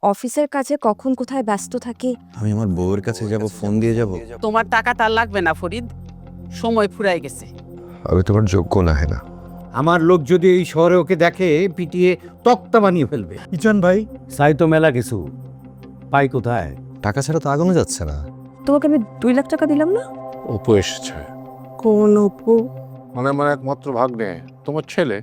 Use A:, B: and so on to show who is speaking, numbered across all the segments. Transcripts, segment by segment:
A: অফিসের কাজে কখন কোথায় ব্যস্ত থাকি।
B: আমি আমার বউয়ের কাছে যাব, ফোন দিয়ে যাব?
C: তোমার টাকা তার লাগবে না ফরিদ, সময় ফুরাই গেছে।
D: আমি তোমার যোগ্য না হেনা।
E: আমার লোক যদি এই শহরে ওকে দেখে পিটিয়ে তক্তা বানিয়ে ফেলবে।
F: কিচন ভাই
E: চাই তো মেলা কিছু, পাই কোথায়?
B: টাকা ছাড়া তো আগানো যাচ্ছে না।
A: তোমাকে আমি 2 লাখ টাকা দিলাম না?
D: অপু এসেছে,
A: কোন অপু?
D: মানে আমার একমাত্র ভাগ্নে, তোমার ছেলে।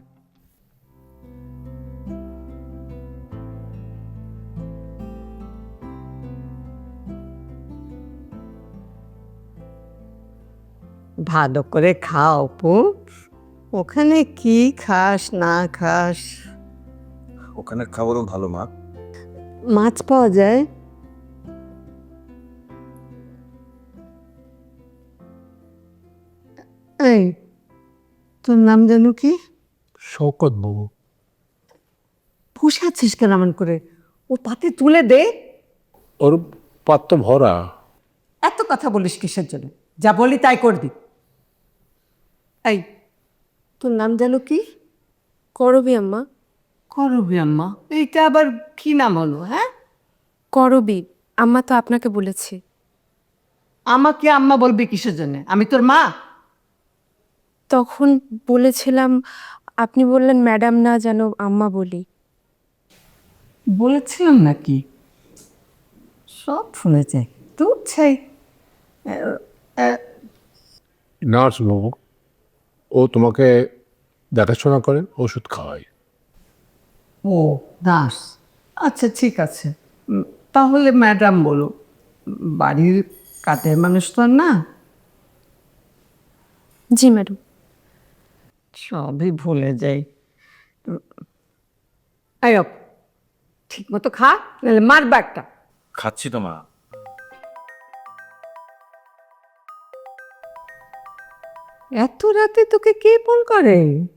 G: ভালো করে খাও অপু। ওখানে কি খাস না খাস?
B: ওখানের খাবারও ভালো মা।
G: মাছ পাওয়া যায়? এই, তোর নাম জানো কি?
F: শওকত বাবু।
G: বসে আছিস কেন এমন করে? ও পাতে তুলে দে।
D: ওর পাত্র ভরা।
G: এত কথা বলিস কিসের জন্য? যা বলি তাই করবি। এই, তোর নাম জানো কি?
A: করবি আম্মা।
G: করবি আম্মা? এইটা আবার কি নাম হলো? হ্যাঁ,
A: করবি আম্মা তো আপনাকে বলেছি।
G: আমাকে আম্মা বলবি কিসের জন্য? আমি তোর মা?
A: তখন বলেছিলাম, আপনি বললেন ম্যাডাম না যেন আম্মা বলি।
G: বলেছিলাম নাকি? সব শুনেছে। তুই চাই
D: নার্স বাবু, ও তোমাকে দেখাশোনা করেন, ওষুধ খাওয়ায়।
G: ও দাস, আচ্ছা ঠিক আছে। তাহলে ম্যাডাম বলো। বাড়ির কাটের মানুষ তো আর না।
A: জি ম্যাডাম।
G: সবই ভুলে যাই। আয়ব, ঠিক মতো খা, নাহলে মারবা একটা।
B: খাচ্ছি তো মা।
G: এত রাতে তোকে কে ফোন করে?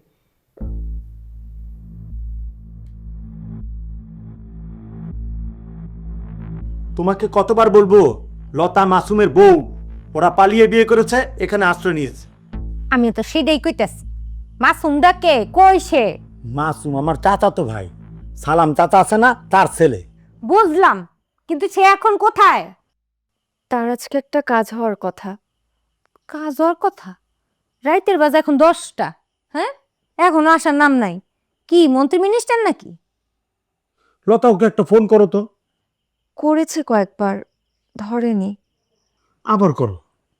F: তোমাকে কতবার বলবো, লতা মাসুমের বউ, ওরা পালিয়ে বিয়ে করেছে, এখানে আশ্রয় নিয়েছে।
H: আমি তো সেটাই কইতাছি। মাসুমদা কে, কই সে?
F: মাসুম আমার চাচাতো ভাই, সালাম চাচা আছে না, তার ছেলে।
H: বুঝলাম, কিন্তু সে এখন কোথায়?
A: তার আজকে একটা কাজ হওয়ার কথা।
H: কাজ হওয়ার কথা? রাইতের বাজে এখন 10টা। হ্যাঁ, এখনো আসার নাম নাই। কি মন্ত্রী মিনিস্টার নাকি?
F: লতা, ওকে একটা ফোন করো তো।
A: করেছে কয়েকবার, ধরেনি।
F: আবার করো।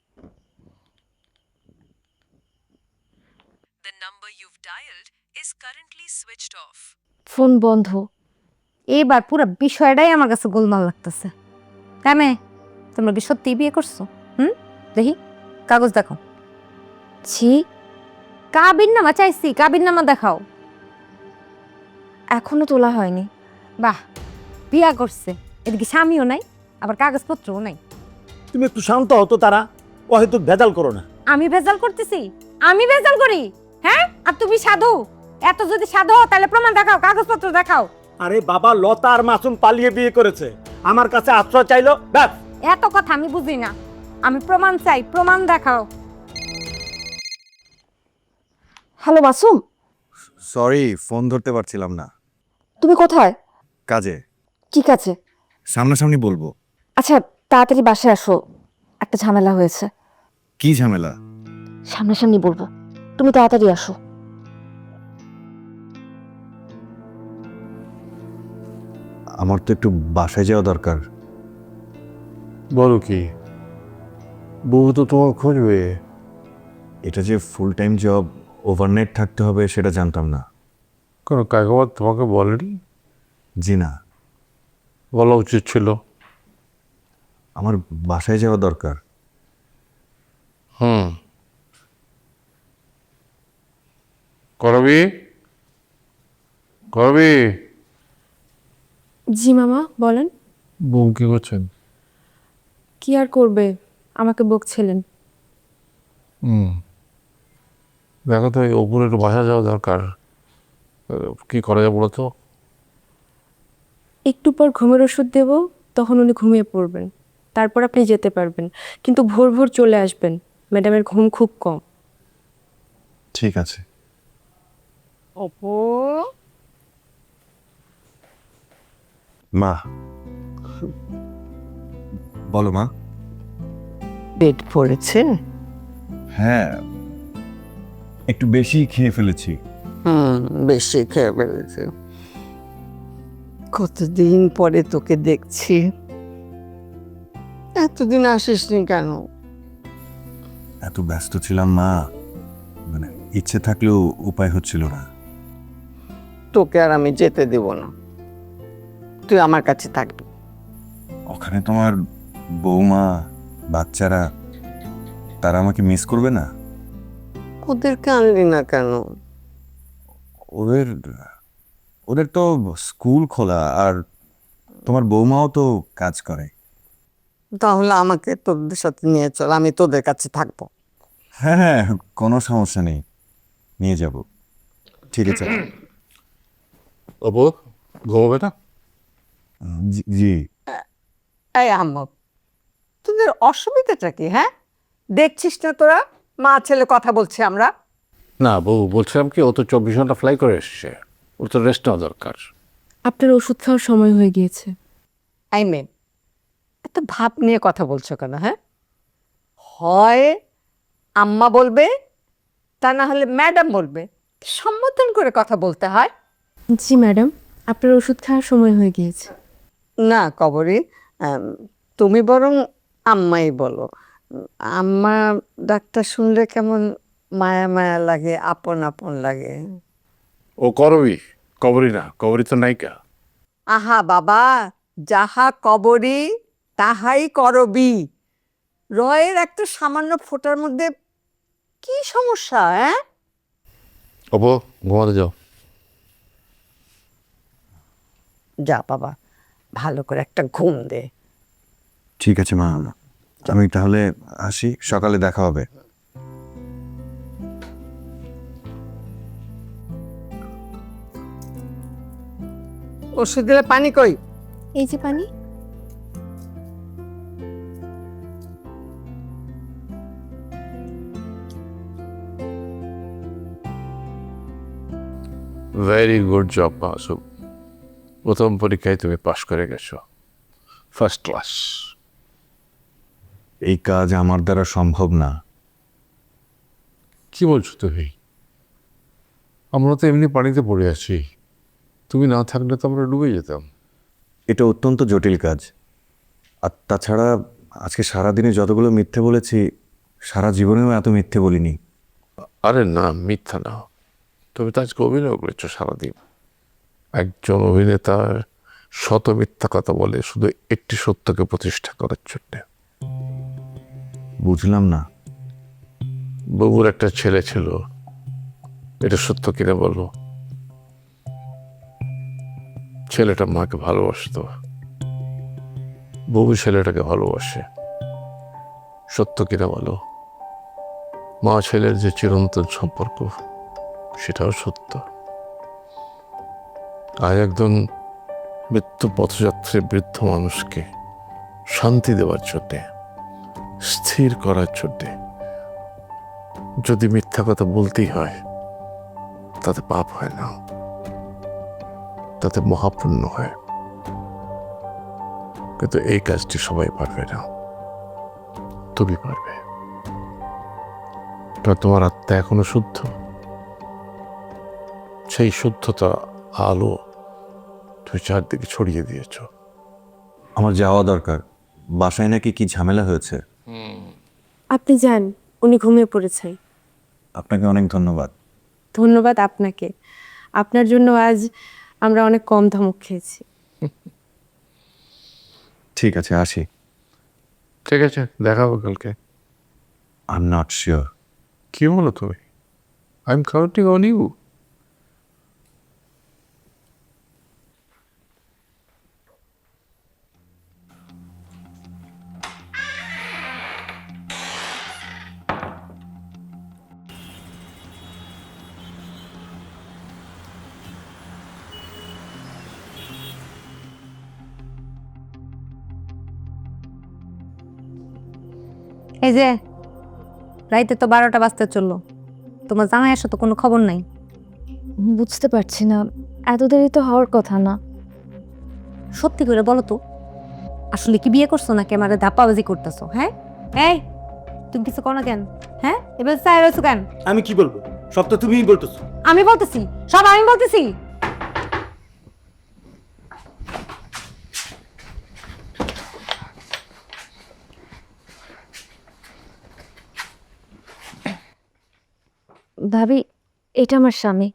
A: ফোন বন্ধ।
H: এবার পুরো বিষয়টাই আমার কাছে গোলমাল লাগতেছে। কামে, তোমরা কি সত্যি বিয়ে করছো? দেখি কাগজ দেখো।
A: ছি,
H: কাবির নামা চাইছি, কাবির নামা দেখাও।
A: এখনো তোলা হয়নি।
H: বাহ, বিয়া করছে, এদিকে স্বামীও নাই, আবার কাগজপত্রও নাই।
F: তুমি একটু শান্ত হতো, তারা ও হয়তো ভেজাল করো না।
H: আমি ভেজাল করতেছি? আমি ভেজাল করি? হ্যাঁ, আর তুমি সাধু? এত যদি সাধু হও, তাহলে প্রমাণ দেখাও, কাগজপত্র দেখাও।
F: আরে বাবা, লতা আর মাসুম পালিয়ে বিয়ে করেছে, আমার কাছে আশ্রয় চাইলো, ব্যাস।
H: এত কথা আমি বুঝি না, আমি প্রমাণ চাই, প্রমাণ দেখাও।
A: হ্যালো মাসুম,
B: সরি, ফোন ধরতে পারছিলাম না।
A: তুমি কোথায়?
B: কাজে।
A: ঠিক আছে।
B: সামনাসামনি বলবো।
A: আচ্ছা, তাড়াতাড়ি বাসায় আসো, একটা ঝামেলা হয়েছে।
B: কি ঝামেলা?
A: সামনাসামনি বলবো, তুমি তাড়াতাড়ি আসো।
B: আমার তো একটু বাসায় যাওয়া দরকার।
D: বলো কি, বউ তো তোমার খুঁজবে।
B: এটা যে ফুল টাইম জব, ওভারনাইট থাকতে হবে সেটা জানতাম না।
D: কোনো কাগজ তোমাকে বলেনি?
B: জি না।
D: বলা উচিত ছিল।
B: আমার বাসায় যাওয়া দরকার।
D: করবি করবি।
A: জি মামা, বলেন।
D: বউ কি করছেন?
A: কি আর করবে, আমাকে বকছিলেন।
D: দেখো তো, এই ওপরে একটু বাসা যাওয়া দরকার। কি করা যায় বলো তো?
A: একটু পর ঘুমের ওষুধ দেব, তখন উনি ঘুমিয়ে পড়বেন, তারপর আপনি যেতে পারবেন। কিন্তু ভোর ভোর চলে আসবেন, ম্যাডামের ঘুম খুব কম।
B: ঠিক আছে।
G: অপু,
B: মা, বলো মা।
G: পেট পড়েছে?
B: হ্যাঁ, একটু বেশি খেয়ে ফেলেছি।
G: বেশি খেয়ে ফেলেছে। কতদিন পরে তোকে দেখছি, এতদিন আসিসনি কেন?
B: এত ব্যস্ত ছিলাম মা, মানে ইচ্ছে থাকলেও উপায় হচ্ছিল না।
G: তোকে আর আমি যেতে দেব না, তুই আমার কাছে থাকবি।
B: ওখানে তোমার বৌমা, বাচ্চারা, তারা আমাকে মিস করবে না?
G: ওদেরকে আনলি না কেন?
B: ওদের ওদের তো স্কুল খোলা, আর তোমার বৌমাও তো কাজ করে।
G: তাহলে আমাকে তোদের সাথে নিয়ে চল, আমি তোদের কাছে থাকবো।
B: হ্যাঁ হ্যাঁ, কোনো সমস্যা নেই, নিয়ে যাব। ঠিক আছে।
D: অপু, ঘুমাবে না?
B: জি।
G: এই আহমদ, তোদের অসুবিধাটা কি? হ্যাঁ, দেখছিস না তোরা মা ছেলে কথা বলছি আমরা?
D: না বউ, বলছিলাম কি, ও তো 24 ঘন্টা ফ্লাই করে এসছে, ওর তো রেস্ট নেওয়া দরকার।
A: আপনার ওষুধ খাওয়ার সময় হয়ে গিয়েছে।
G: আই মেন, এত ভাব নিয়ে কথা বলছো কেন? হ্যাঁ, হয় আম্মা বলবে, তা না হলে ম্যাডাম বলবে, সম্বোধন করে কথা বলতে হয়।
A: জি ম্যাডাম, আপনার ওষুধ খাওয়ার সময় হয়ে গিয়েছে।
G: না কবরী, তুমি বরং আম্মাই বলো। আম্মা ডাক্তার শুনলে কেমন মায়া মায়া লাগে, আপন আপন লাগে।
D: ও করবি, কবরই না, কবরই তো নায়িকা।
G: আহা বাবা, যাহা কবরী তাহাই করবি। রয়ের একটা সামান্য ফোঁটার মধ্যে কি সমস্যা? হ্যাঁ,
D: অপু, ঘুমাতে যাও।
G: যা বাবা, ভালো করে একটা ঘুম দে।
B: ঠিক আছে মা, আমি তাহলে আসি, সকালে দেখা হবে।
G: ওষুধ দিলে পানি কই?
A: এই যে পানি।
D: ভেরি গুড জব মাসুম, প্রথম পরীক্ষায় তুমি পাশ করে গেছো, ফার্স্ট ক্লাস।
B: এই কাজ আমার দ্বারা সম্ভব না।
D: কি বলছো তুমি? আমরা তো এমনি পানিতে পড়ে আছি, তুমি না থাকলে তো আমরা ডুবে যেতাম।
B: এটা অত্যন্ত জটিল কাজ, আর তাছাড়া আজকে সারাদিনে যতগুলো মিথ্যে বলেছি, সারা জীবনেও এত মিথ্যে বলিনি।
D: আরে না, মিথ্যা না, তুমি তো আজকে অভিনয় করেছো সারাদিন। একজন অভিনেতার শত মিথ্যা কথা বলে শুধু একটি সত্যকে প্রতিষ্ঠা করার জন্যে।
B: বুঝলাম না।
D: বাবুর একটা ছেলে ছিল, এটা সত্য কিনা বলো? ছেলেটা মাকে ভালোবাসতো, বাবু ছেলেটাকে ভালোবাসে, সত্য কিনা বলো? মা ছেলের যে চিরন্তন সম্পর্ক, সেটাও সত্য। আর একজন মৃত্যু পথযাত্রী বৃদ্ধ মানুষকে শান্তি দেওয়ার জন্যে, স্থির করার জন্যে যদি মিথ্যা কথা বলতেই হয়, তাতে পাপ হয় না, তাতে মহাপুণ্য হয়। কিন্তু এই কাজটি সবাই পারবে না, তুমি পারবে। তোমার আত্মা এখনো শুদ্ধ, সেই শুদ্ধতা আলো তুমি চারদিকে ছড়িয়ে দিয়েছ।
B: আমার যাওয়া দরকার, বাসায় নাকি কি ঝামেলা হয়েছে।
A: আপনি যান, উনি ঘুমিয়ে পড়েছেন।
B: আপনাকে অনেক ধন্যবাদ।
A: ধন্যবাদ আপনাকে, আপনার জন্য আজ আমরা অনেক কম ধমক খেয়েছি।
B: ঠিক আছে, আসি।
D: ঠিক আছে, দেখা হবে কালকে।
B: I am not sure.
D: কি বলো তুমি? I am counting on you.
H: এই যে রাইতে তো 12টা বাজতে চললো, তোমার জামাই আসো তো কোনো খবর নাই।
I: বুঝতে পারছি না, এত দেরি তো হওয়ার কথা না।
H: সত্যি করে বলো তো, আসলে কি বিয়ে করছো নাকি আমার ধাপ্পাবাজি করতেছো? হ্যাঁ এই তুমি কিছু করো না কেন? হ্যাঁ এবার চাই রয়েছো কেন?
F: আমি কি বলবো, সব তো তুমিই বলতেছো।
H: আমি বলতেছি, সব আমি বলতেছি। ভাবি, এটা আমার স্বামী।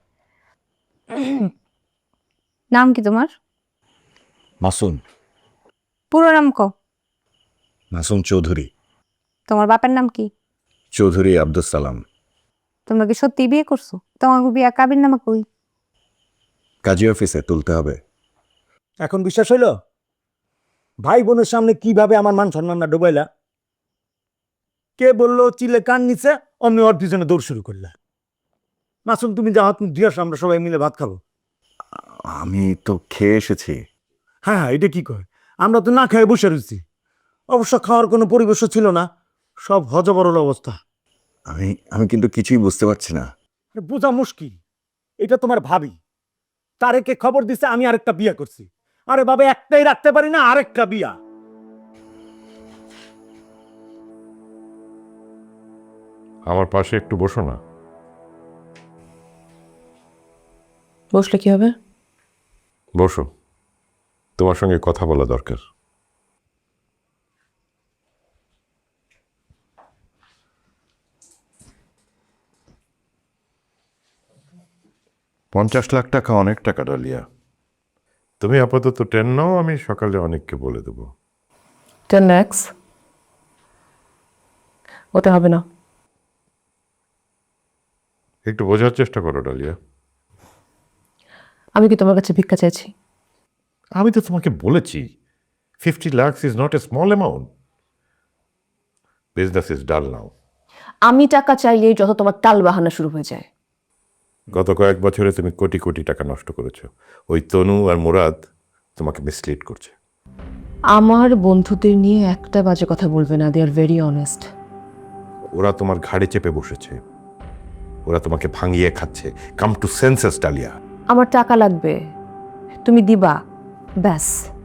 H: নাম কি তোমার?
B: মাসুম।
H: পুরো নাম কও।
B: মাসুম চৌধুরী।
H: তোমার বাপের নাম কি?
B: চৌধুরী আব্দুল সালাম।
H: তোমরা কি সত্যি বিয়ে করছো? তোমার বিয়া কাবির নামা কই?
B: কাজী অফিসে তুলতে হবে।
F: এখন বিশ্বাস হইলো? ভাই বোনের সামনে কিভাবে আমার মান সম্মানটা ডুবাইলা? কে বললো চিলে কান নিচে, অমনি ওর পিছনে দৌড় শুরু করলা। মাসুম, তুমি যা হাত মুখ ধুয়ে আসো, আমরা সবাই মিলে ভাত খাবো।
B: আমি তো খেয়ে এসেছি।
F: হ্যাঁ, এটা কি কয়? আমরা তো না খেয়ে বসে রয়েছি। অবশ্য খাওয়ার কোনো পরিবেশও ছিল না, সব হজবরল অবস্থা।
B: আমি আমি কিন্তু কিছুই বুঝতে পারছি না।
F: আরে বোঝা মুশকিল। এটা তোমার ভাবি, তারেকে খবর দিছে আমি আরেকটা বিয়া করছি। আরে বাবা, একটাই রাখতে পারি না, আরেকটা বিয়া।
I: আমার পাশে একটু বসো না।
A: বসলে কি হবে?
I: বসো, তোমার সঙ্গে কথা বলা দরকার। $50 লাখ অনেক টাকা ডালিয়া। তুমি আপাতত 10 নাও, আমি সকালে অনেককে বলে দেবো।
A: 10 lakhs ওতে হবে না।
I: একটু বোঝার চেষ্টা করো ডালিয়া।
A: আমি কি তোমার কাছে ভিক্ষা চাইছি?
I: আমি তো তোমাকে বলেছি 50 lakh is not a small amount. Business is dull now.
A: আমি টাকা চাইলেই যত তোমার টাল বাহানা শুরু হয়ে যায়।
I: গত কয়েক বছরে তুমি কোটি কোটি টাকা নষ্ট করেছো। ওই তনু আর মুরাদ তোমাকে মিসলিড করছে।
A: আমার বন্ধুদের নিয়ে একটা বাজে কথা বলবে না, দে আর ভেরি অনেস্ট।
I: ওরা তোমার ঘাড়ে চেপে বসেছে, ওরা তোমাকে ভাঙিয়ে খাচ্ছে। Come to senses Dalia.
A: আমার টাকা লাগবে, তুমি দিবা, ব্যাস।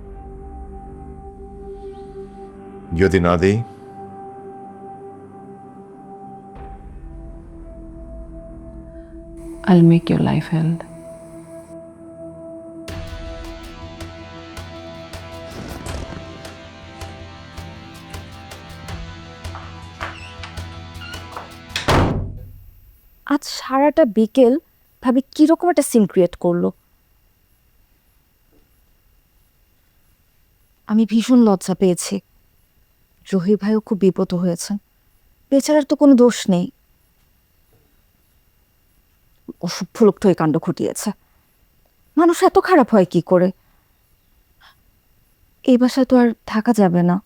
I: যদি না দেই?
A: I'll make your life hell. আজ সারাটা বিকেল ভাবি কিরকম একটা সিন ক্রিয়েট করলো। আমি ভীষণ লজ্জা পেয়েছি। জহির ভাইও খুব বিপদ হয়েছেন, বেচারার তো কোনো দোষ নেই। অসভ্য লোকটা এই কাণ্ড ঘটিয়েছে। মানুষ এত খারাপ হয় কি করে? এই বাসায় তো আর থাকা যাবে না।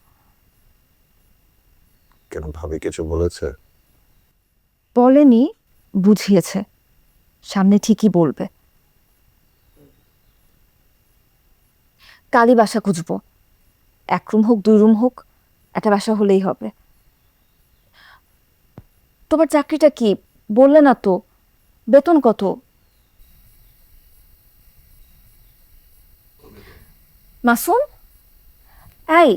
B: কেন, ভাবি কিছু বলেছে?
A: বলেনি, বুঝিয়েছে, সামনে ঠিকই বলবে। কালই বাসা খুঁজবো, 1 রুম হোক 2 রুম হোক, একটা বাসা হলেই হবে। তোমার চাকরিটা কি বললে না তো? বেতন কত? মাসুম, এই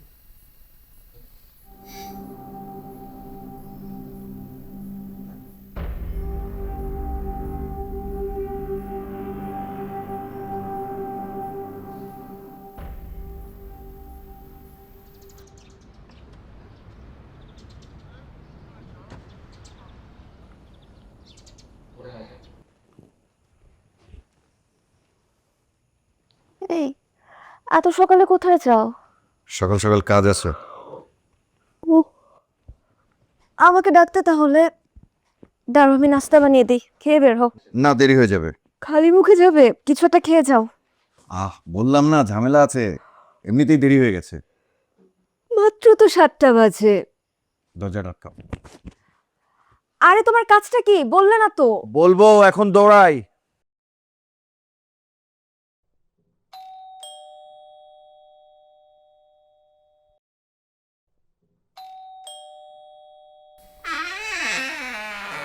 A: এই এত সকালে কোথায় যাও?
B: সকাল সকাল কাজ আছে।
A: আমাকে ডাকতে তাহলে। দাঁড়ো, আমি নাস্তা বানিয়ে দিই, খেয়ে বের হও।
B: না, দেরি হয়ে যাবে।
A: খালি মুখে যাবে? কিছু একটা খেয়ে যাও।
B: বললাম না, ঝামেলা আছে, এমনিতেই দেরি হয়ে গেছে।
A: মাত্র তো 7টা বাজে।
B: দরজা আটকাও।
A: আরে তোমার কাজটা কি বললে না তো?
F: বলবো, এখন দৌড়াই।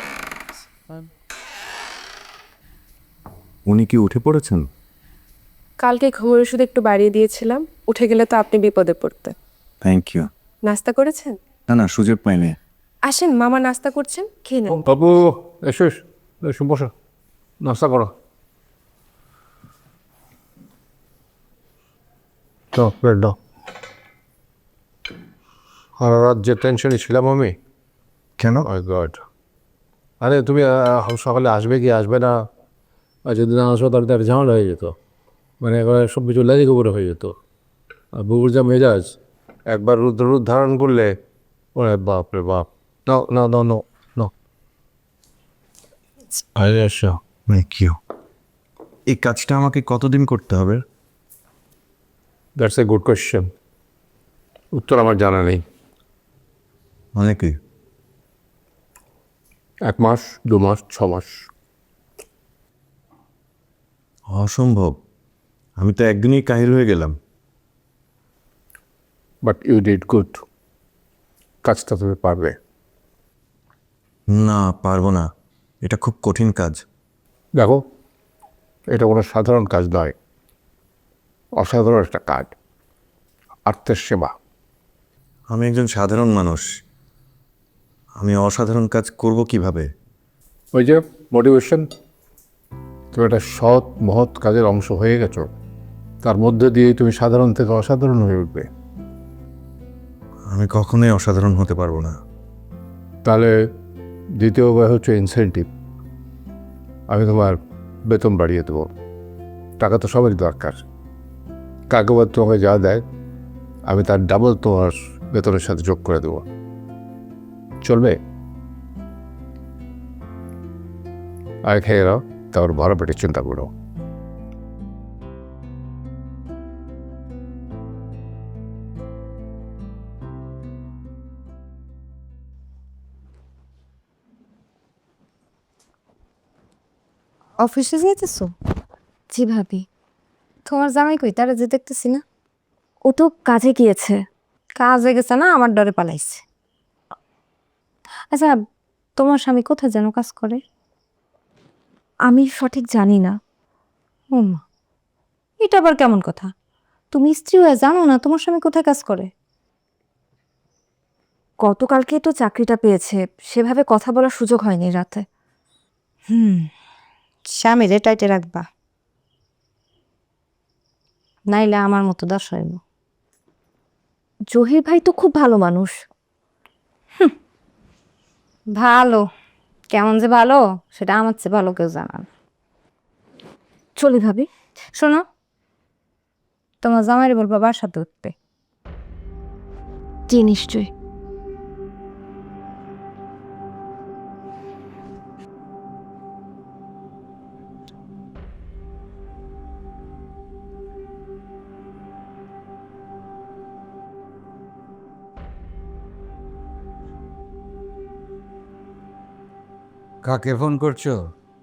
B: উনি কি উঠে পড়েছেন?
A: কালকে ঘুমের ওষুধ একটু বাড়িয়ে দিয়েছিলাম, উঠে গেলে তো আপনি বিপদে পড়তে।
B: Thank you.
A: নাস্তা করেছেন?
B: না না, সুযোগ পাইনি।
A: আসেন, মামা নাস্তা করছেন, খেয়ে নেন।
D: বাবু এসো এসো, বসো, নাস্তা করো। দাও। সারা রাত যে টেনশনে ছিলাম আমি।
B: কেন?
D: মাই গড, আরে তুমি সকালে আসবে কি আসবে না, আর যদি না আসো তাহলে তার ঝামেলা হয়ে যেত, মানে একবার সব কিছু লেগে গোবরে হয়ে যেত। আর বুবুর যা মেজাজ, একবার রুদ্র রূপ ধারণ করলে ওরে বাপ রে বাপ। নাও নাও নাও নাও নাও, আরে আসো।
B: Thank you. এই কাজটা আমাকে কতদিন করতে হবে?
D: দ্যাটস এ গুড কোয়েশ্চেন, উত্তর আমার জানা নেই।
B: অনেকই।
D: 1 মাস, 2 মাস, 6 মাস।
B: অসম্ভব, আমি তো একদিনেই কাহিল হয়ে গেলাম।
D: বাট ইউ ডিড গুড, কাজটা তুমি পারবে।
B: না, পারবো না, এটা খুব কঠিন কাজ।
D: দেখো, এটা কোনো সাধারণ কাজ নয়, অসাধারণ একটা কাজ, আর্তের সেবা।
B: আমি একজন সাধারণ মানুষ, আমি অসাধারণ কাজ করব কিভাবে?
D: ওই যে মোটিভেশন, তুমি একটা সৎ মহৎ কাজের অংশ হয়ে গেছো, তার মধ্যে দিয়ে তুমি সাধারণ থেকে অসাধারণ হয়ে উঠবে।
B: আমি কখনোই অসাধারণ হতে পারবো না।
D: তাহলে দ্বিতীয় উপায় হচ্ছে ইনসেন্টিভ। আমি তোমার বেতন বাড়িয়ে দেবো, টাকা তো সবারই দরকার। কাকবাদ তোমাকে যা দেয় আমি তার ডাবল তোমার বেতনের সাথে যোগ করে দেবো, চলবে? আর খেয়ে নাও, তারপর বড় পেটে চিন্তা করো।
H: অফিসে যাইতেছো? জি ভাবি। তোমার জামাই কই? তারা যে দেখতেছি না। ও তো কাজে গিয়েছে। কাজে গেছে না, আমার ডরে পালাইছে। আচ্ছা, তোমার স্বামী কোথায় যেন কাজ করে? আমি সঠিক জানি না। ও মা, এটা আবার কেমন কথা? তুমি স্ত্রী হয়ে জানো না তোমার স্বামী কোথায় কাজ করে? গতকালকে তো চাকরিটা পেয়েছে, সেভাবে কথা বলার সুযোগ হয়নি রাতে। স্বামীরে টাইটে রাখবা, নাইলে আমার মতো দশ হইব। জহির ভাই তো খুব ভালো মানুষ। ভালো, কেমন যে ভালো সেটা আমার চেয়ে ভালো কেউ জানান। চলি ভাবি। শোনো, তোমার জামাইরে বলবা বাসাতে উঠবে। জি নিশ্চয়ই।
E: কাকে ফোন করছো?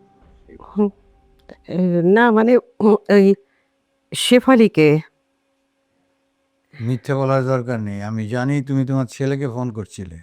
C: না মানে ওই শেফালিকে।
E: মিথ্যে বলার দরকার নেই, আমি জানি তুমি তোমার ছেলেকে ফোন করছিলে।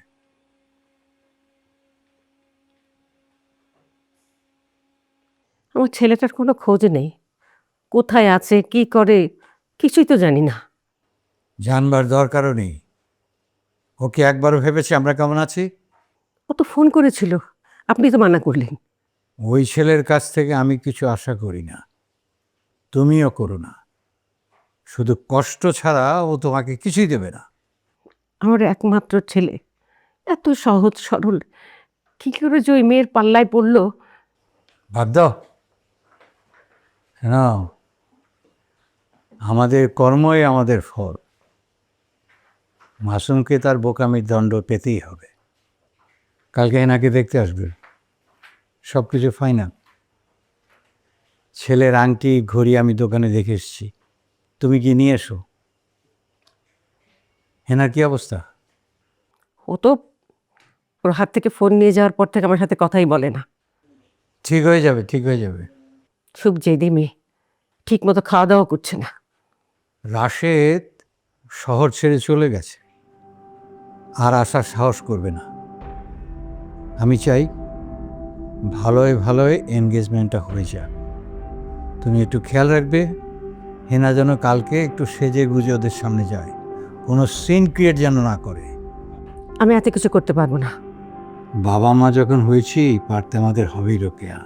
C: আমার ছেলেটার কোনো খোঁজ নেই, কোথায় আছে কি করে কিছুই তো জানি না।
E: জানবার দরকারও নেই। ওকে একবারও ভেবেছে আমরা কেমন আছি?
C: ও তো ফোন করেছিল, আপনি তো মানা করলেন।
E: ওই ছেলের কাছ থেকে আমি কিছু আশা করি না, তুমিও করো না। শুধু কষ্ট ছাড়া ও তোমাকে কিছুই দেবে না।
C: আমার একমাত্র ছেলে, এত সহজ সরল, কি করে যে ওই মেয়ের পাল্লায় পড়লো।
E: বাদ দাও। না, আমাদের কর্মই আমাদের ফল। মাসুমকে তার বোকামির দণ্ড পেতেই হবে। কালকে এনাকে দেখতে আসবে, সব কিছু ফাইনাল। ছেলের আংটি ঘড়ি আমি দোকানে দেখে এসেছি, তুমি কি নিয়ে এসো। হেনার কি অবস্থা?
C: ও তো ওর হাত থেকে ফোন নিয়ে যাওয়ার পর থেকে আমার সাথে কথাই বলে না।
E: ঠিক হয়ে যাবে, ঠিক হয়ে যাবে।
C: খুব জেদি মেয়ে, ঠিক মতো খাওয়া দাওয়া করছে না।
E: রাশেদ শহর ছেড়ে চলে গেছে, আর আসার সাহস করবে না। আমি চাই ভালোই ভালোই এনগেজমেন্টটা হয়ে যাক। তুমি একটু খেয়াল রাখবে, হেনা যেন কালকে একটু সেজে গুজে ওদের সামনে যায়, কোনো সিন ক্রিয়েট যেন না করে।
C: আমি এত কিছু করতে পারবো না।
E: বাবা মা যখন হয়েছি, পারতে আমাদের হবেই রোকেয়া।